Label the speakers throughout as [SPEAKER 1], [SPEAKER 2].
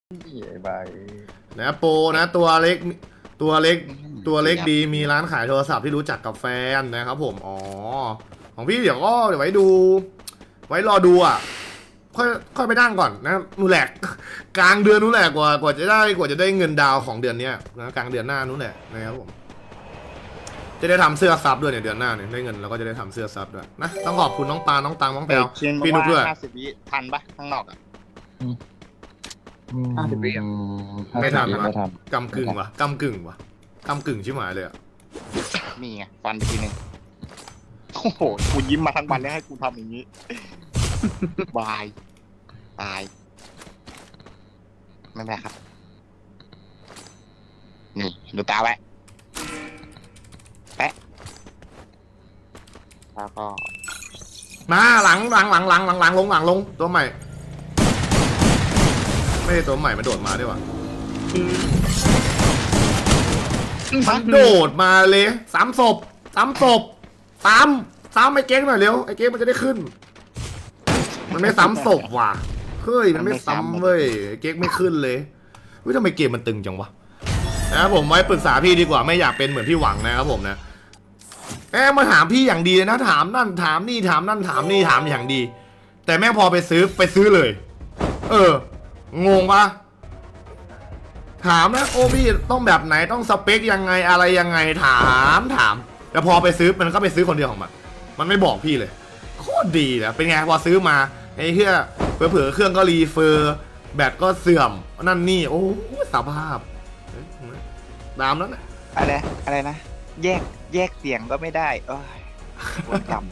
[SPEAKER 1] ไอ้ใบ
[SPEAKER 2] นะโปรนะตัวเล็กตัวเล็กตัวเล็กดีมีร้านขายโทรศัพท์ที่รู้จักกับแฟนนะครับผมอ๋อของพี่เดี๋ยวไว้ดู ไว้รอดูอ่ะค่อยไปนั่งก่อนนะนู่นแหละกลางเดือนนู้นแหละกว่าจะได้เงินดาวของเดือนเนี้ยนะกลางเดือนหน้านู้นแหละนะครับผมจะได้ทำเสื้อซับด้วยเนี่ยเดือนหน้าเนี่ยได้เงินเราก็จะได้ทำเสื้อซับด้วยนะต้องขอบคุณน้องปาน้องตังน้องแพลวพี่นุ๊กด้วย
[SPEAKER 3] 50 วิทันปะข้างนอกอ่ะ
[SPEAKER 1] 50 วิ
[SPEAKER 2] ไม่ทัน
[SPEAKER 1] ไม่ทัน
[SPEAKER 2] กำกึ่งวะกำกึ่งชิบหายเลยอ่ะ
[SPEAKER 3] นี่ไงฟันไปทีนึงโอ้โหกูยิ้มมาทั้งวันแล้วให้กูทำอย่างนี้ บายตายไม่เป็นไรครับนี่ดูตาไว้แปะแล้วก็
[SPEAKER 2] มาหลังลงตัวใหม่ไม่ใช่ตัวใหม่มันโดดมาด้วยวะมันโดดมาเลยซ้ำศพซ้ำไอ้เก๊กหน่อยเร็วไอ้เก๊กมันจะได้ขึ้น มันไม่ซ้ำศพว่ะเฮ้ยมันไม่ซ้ำเว้ยไอ้เก๊กไม่ขึ้นเลยเฮ้ยทำไมเกมมันตึงจังวะนะครับผมไว้ปรึกษาพี่ดีกว่าไม่อยากเป็นเหมือนพี่หวังนะครับผมนะมาถามพี่อย่างดีนะถามนั่นถามนี่ถามนั่นถามนี่ถามอย่างดี แต่แม่พอไปซื้อเลย งงปะถามนะโอ้พี่ต้องแบบไหนต้องสเปคยังไงอะไรยังไงถามแต่พอไปซื้อมันก็ไปซื้อคนเดียวของมันไม่บอกพี่เลยโคตรดีนะเป็นไงพอซื้อมาไอ้เหี้ยเผลอเครื่องก็รีเฟอร์แบตก็เสื่อมนั่นนี่โอ้สภาพตามนั้นนะ
[SPEAKER 3] อะไรนะแยกเสียงก็ไม่ได้โอ้ยปวดกรรม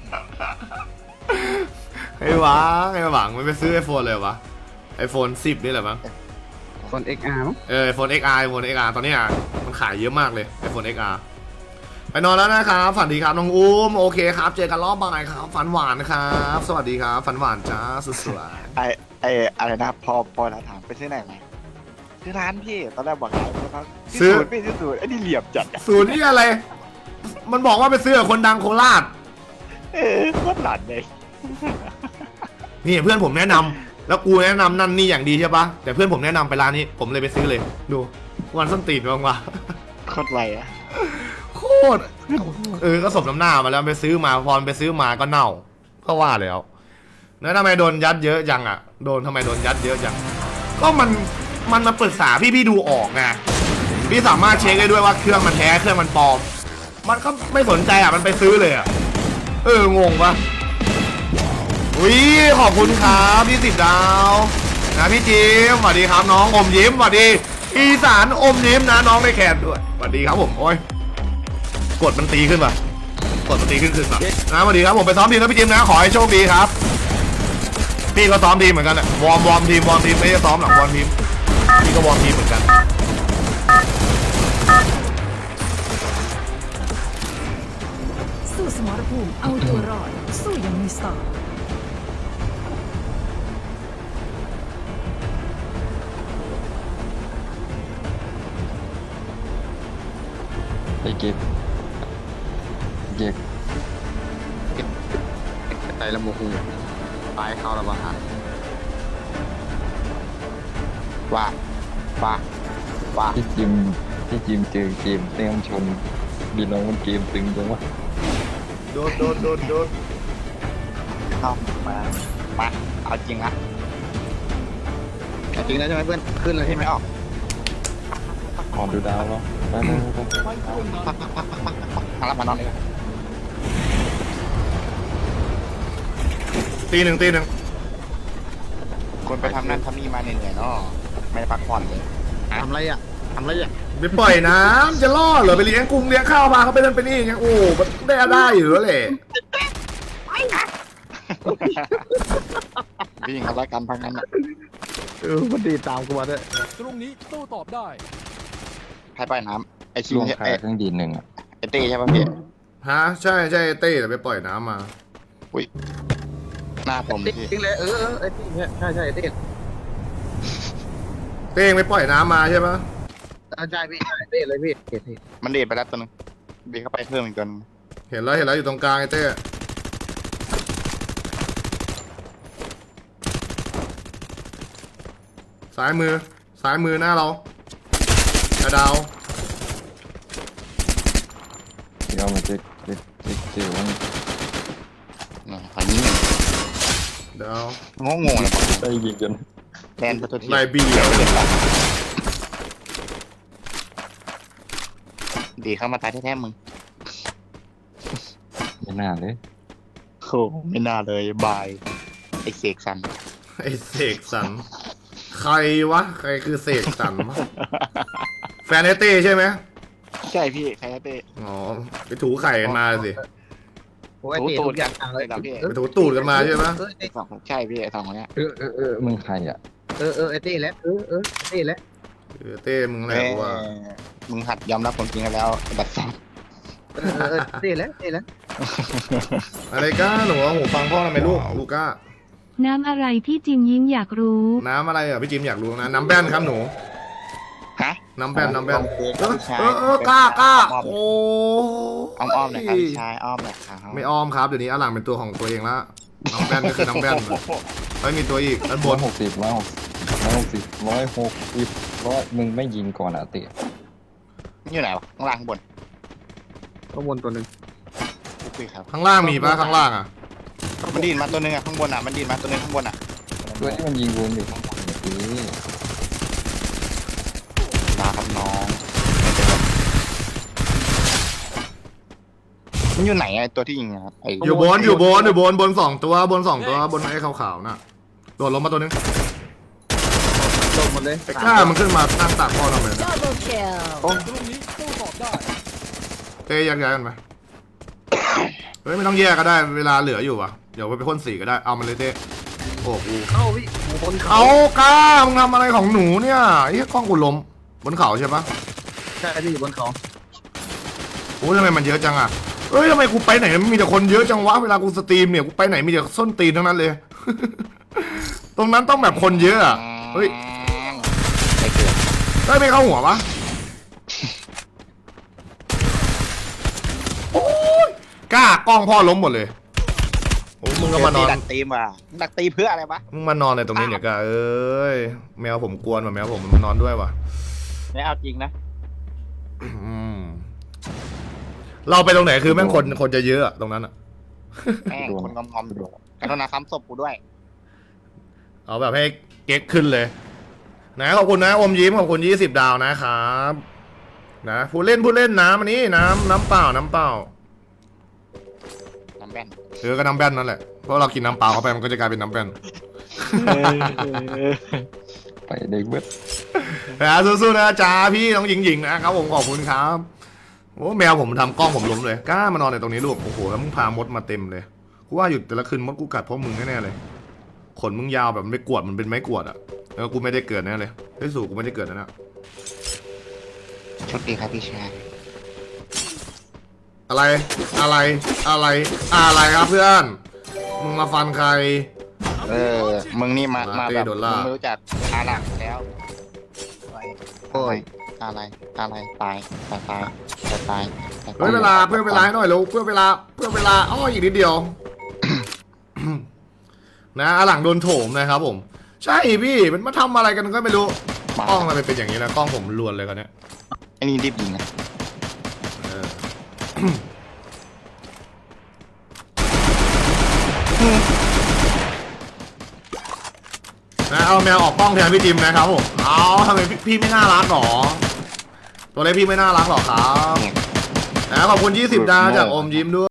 [SPEAKER 2] ไอ้หวังมันไปซื้อ iPhone เลยวะ iPhone 10นี่แหละมั้ง
[SPEAKER 1] คน XR มั้ง
[SPEAKER 2] iPhone XR ตอนนี้มันขายเยอะมากเลย iPhone XR ไปนอนแล้วนะครับฝันดีครับน้องอุ้มโอเคครับเจอกันรอบบ่ายครับฝันหวานนะครับสวัสดีครับฝันหวานจ้าสุดสวย
[SPEAKER 3] อะไรนะพอเราถามไปซื้อไหนมาซื้อร้านพี่ตอนแรกบอกขายนะครับ
[SPEAKER 2] ซื้อ
[SPEAKER 3] พี่ซื้อศูนย์ไอ้นี่เหลี่ยมจัดอะ
[SPEAKER 2] ศูนย์นี่อะไร มันบอกว่าไปซื้อกับคนดังโคราช
[SPEAKER 3] โคตรหลานเลย
[SPEAKER 2] นี่เพื่อนผมแนะนำแล้วกูแนะนำนั่นนี่อย่างดีใช่ปะแต่เพื่อนผมแนะนำไปร้านนี้ผมเลยไปซื้อเลยดูวันส้นตีนบ้างวะ
[SPEAKER 3] โคตรไรอะ
[SPEAKER 2] โคตรก็สมน้ำหน้ามาแล้วไปซื้อมาพอไปซื้อมาก็เน่าก็ว่าแล้วแล้วทำไมโดนยัดเยอะจังอ่ะทำไมโดนยัดเยอะจังก็มันมาปรึกษาพี่ดูออกไงพี่สามารถเช็คได้ด้วยว่าเครื่องมันแท้เครื่องมันปลอมมันก็ไม่สนใจอ่ะมันไปซื้อเลยอ่ะงงปะอุ้ยขอบคุณครับพี่10 ดาวนะพี่จิมสวัสดีครับน้องอมยิ้มสวัสดีอีสานอมยิ้มนะน้องในแขนด้วยสวัสดีครับผมโอ้ยกดมันตีขึ้นป่ะกดมันตีขึ้นป่ะนะสวัสดีครับผมไปซ้อมทีมนะพี่จิมนะขอให้โชคดีครับพี่ก็ซ้อมทีมเหมือนกันแหละวอร์มทีมไม่ได้ซ้อมหลังวอร์มทีมพี่ก็วอร์มทีมเหมือนกัน
[SPEAKER 4] สู้สมรภูมิเอาตัวรอดสู้ยังมีสติ
[SPEAKER 1] ไอ้เก็บไตละโมหูตายเข้าระบาด
[SPEAKER 3] ว่า
[SPEAKER 1] ที่จิมเจอเกมเต้มชนดีน้องมันเกมตึงจังวะ
[SPEAKER 2] โดน
[SPEAKER 3] เข้ามาเอาจริงนะเอาจริงแล้วใช่ไหมเพื่อนขึ้นเลยที่ไม่ออก
[SPEAKER 1] ขอดูดาวแล้วไป
[SPEAKER 3] มารับมานอนเลย
[SPEAKER 2] ตีหนึ่ง
[SPEAKER 3] คนไปทำนั่นทำนี่มาเหนื่อยๆเนาะไม่ได้พักผ่อนเลย
[SPEAKER 1] ทำไรอ่ะ
[SPEAKER 2] ไปปล่อยน้ำจะล่อเหรอไปเลี้ยงกุ้งเลี้ยงข้าวมาเขาไปนั่นไปนี่ไงโอ้มันได้อยู่แล้วแหละ
[SPEAKER 3] พี่หญิงเขาไล่กันพังนั้นอะ
[SPEAKER 1] มันดีตามกูมาด้วย
[SPEAKER 5] ตรงนี้โต้ตอบได้
[SPEAKER 3] ให้ไปน้ำไอคิ
[SPEAKER 1] ล
[SPEAKER 3] ว
[SPEAKER 1] งขายเครื่องดีหนึ่งอ่ะ
[SPEAKER 3] ไอเต้ใช่ป่ะพี่
[SPEAKER 2] ฮะใช่เต้แต่ไปปล่อยน้ำมา
[SPEAKER 3] อุ้ยหน้าผมพี่
[SPEAKER 1] จริงเลยไอ้ที่เนี่ยใช่ไอ้ที่
[SPEAKER 2] เต้งไปปล่อยน้ำมาใช่ปะ
[SPEAKER 1] ใช่พี่เต้เลยพี่
[SPEAKER 3] มันเดทไปแล้วตัวนึงบีเข้าไปเพิ่มอีกตัวนึง
[SPEAKER 2] เห็นแล้วอยู่ตรงกลางไอ้เต้ซ้ายมือหน้าเราดาว
[SPEAKER 1] เดี๋ยวมันจะเจอว่า
[SPEAKER 3] ขอยิง
[SPEAKER 2] ดาว
[SPEAKER 3] งงเลย
[SPEAKER 1] ได้ยิงจน
[SPEAKER 3] แลนประตูที
[SPEAKER 2] ไลบี
[SPEAKER 3] ดีเข้ามาตายแท้ๆมึง
[SPEAKER 1] ไม่น่าเลย
[SPEAKER 3] โอ้ไม่น่าเลยบายไอเสกสัน
[SPEAKER 2] ไอเสกสรรใครวะใครคือเสกสรรวะแฟนไอเต้ใช่ไหม
[SPEAKER 3] ใช่พี่แพ้เต้
[SPEAKER 2] อ๋อไปถูไข่กันมาสิ
[SPEAKER 5] โอ้ยตีทุกอย่างเลย
[SPEAKER 2] ไปถูตูดกันมาใช่ไหม
[SPEAKER 3] สองใช่พี่ไอสองคนเนี้ย
[SPEAKER 1] มึงใครอ่ะ
[SPEAKER 5] ไอ้ตีแล้วไอ้ตีแล้ว
[SPEAKER 2] เต้มึงแหละกูว่า
[SPEAKER 3] มึงหัดยอมรับความจริงกันแล้วบัดซอง
[SPEAKER 5] ตีแล้ว
[SPEAKER 2] อะไรก้าหนูเอาหูฟังพ่อทำไมลูก้า
[SPEAKER 6] น้ำอะไรพี่จิมยิ้มอยากรู้
[SPEAKER 2] น้ำอะไรอ่ะพี่จิมอยากรู้นะน้ำแบนครับหนู
[SPEAKER 3] ฮะ
[SPEAKER 2] น้ำแบนกล้า โอ้
[SPEAKER 3] อ้อมๆหน่อยครับพี่ชายอ้อมหน่อยครับ
[SPEAKER 2] ไม่อ้อมครับเดี๋ยวนี้อลังเป็นตัวของตัวเองละน้ำแบนก็คือน้ำแบนไม่มีตัวอีกด้านบน
[SPEAKER 1] 160มึงไม่ยิงก่อนอ่ะเตะ
[SPEAKER 3] อยู่ไหนวะข้างล่างข้างบน
[SPEAKER 5] ข้างบนตัวหนึ่ง
[SPEAKER 3] คุยครับ
[SPEAKER 2] ข้างล่างมีปะข้างล่างอ่ะ
[SPEAKER 3] มันดีดมาตัวนึงอ่ะข้างบนอ่ะมันดีดมาตัวนึงข้างบนอ่ะ
[SPEAKER 1] ด้วยที่มันยิงวนอยู่ข้างบนนี่
[SPEAKER 3] มาครับน้องมันอยู่ไหนไอตัวที่ยิงอะไอ
[SPEAKER 2] อยู่บนสองตัวบนไอ้ขาวๆน่ะโดดลงมาตัวนึง
[SPEAKER 5] ลงหมดเลย
[SPEAKER 2] ไอ้ก้ามันขึ้นมานั่งตากพ่อทำไมนะ
[SPEAKER 4] Double kill
[SPEAKER 2] เต้แยกย้ายกันไปเฮ้ยไม่ต้องแยกก็ได้เวลาเหลืออยู่ว่ะเดี๋ยวไปพ่นสีก็ได้เอามันเลยเต้โอ้กู
[SPEAKER 5] เข้าพี่บนเขา
[SPEAKER 2] เอาก้ามึงทำอะไรของหนูเนี่ยไอ้กล้องกูล้มบนเขาใช่ปะ
[SPEAKER 5] ใช่พี่อยู่บนเขา
[SPEAKER 2] โอ้ยทำไมมันเยอะจังอ่ะเอ้ยทำไมกูไปไหนมันมีแต่คนเยอะจังวะเวลากูสตรีมเนี่ยกูไปไหนมีแต่ส้นตีนทั้งนั้นเลย ตรงนั้นต้องแบบคนเยอะอ่ะเฮ้ย
[SPEAKER 3] ไม่เกิด
[SPEAKER 2] ได้ไม่เข้าหัวปะโอ้ยกล้ากล้องพ่อล้มหมดเลยโอ้มึงก็มานอน
[SPEAKER 3] ดักตีมว่ะดักตีเพื่ออะไรวะ
[SPEAKER 2] มึงมานอนในตรงนี้เนี่ยกล้าเอ้ยแมวผมกวนว่ะแมวผมมันมานอนด้วยว่ะ
[SPEAKER 3] ไม่เอาจริงนะ
[SPEAKER 2] อืมเราไปตรงไหนคือแม่งคนจะเยอะอะตรงนั้นอะ
[SPEAKER 3] แม่งคนงอมๆอยู่กรุณาค้ำศพกูด้วย
[SPEAKER 2] เอาแบบให้เก๊กขึ้นเลยนะขอบคุณนะอมยิ้มขอบคุณ20 ดาวนะครับนะผู้เล่นน้ำอันนี้น้ำเปล่า
[SPEAKER 3] น้ำแบน
[SPEAKER 2] ก็น้ำแบนนั่นแหละเพราะเรากินน้ำเปล่าเข้าไปมันก็จะกลายเป็นน้ำแบน
[SPEAKER 1] ไปเด็กเบิด
[SPEAKER 2] นะสู้ๆนะจ้าพี่น้องหญิงนะครับผมขอบคุณครับโอ้แมวผมทำกล้องผมล้มเลยกล้ามานอนในตรงนี้ลูกโอ้โหแล้วมึงพามดมาเต็มเลยกูว่าอยู่แต่ละคืนมดกูกัดเพราะมึงแน่ๆเลยขนมึงยาวแบบมันไม่กวดมันเป็นไม้กวดอะแล้วกูไม่ได้เกิดแน่เลยไอ้สู่กูไม่ได้เกิดนะ
[SPEAKER 3] โชคดีครับพี่ชาย
[SPEAKER 2] อะไรครับเพื่อนมึงมาฟันใคร
[SPEAKER 3] มึงนี่มาแบบ
[SPEAKER 2] โด
[SPEAKER 3] มึ
[SPEAKER 2] น
[SPEAKER 3] ง
[SPEAKER 2] ล่า
[SPEAKER 3] ไม่รู้จักอาหลังแล้ว
[SPEAKER 5] โอ้ย
[SPEAKER 3] อะไรตาย
[SPEAKER 2] เพื่อเวลาให้หน่อยเร็วเพื่อเวลาอ้ออีกนิดเดียว นะหลังโดนโถมนะครับผมใช่พี่มันมาทำอะไรกันก็ไม่รู้กล้องมันเป็นอย่างนี้นะกล้องผมลวนเลยกันเนี้ย
[SPEAKER 3] ไอ้นี่รีบยิงนะ
[SPEAKER 2] นะเอาแมวออกกล้องแทนพี่จิมนะครับผมเอาทำไมพี่ไม่น่ารักหรอตัวเล็กพี่ไม่น่ารักหรอครับนะขอบคุณ20 ดาวจากอมยิ้มด้วย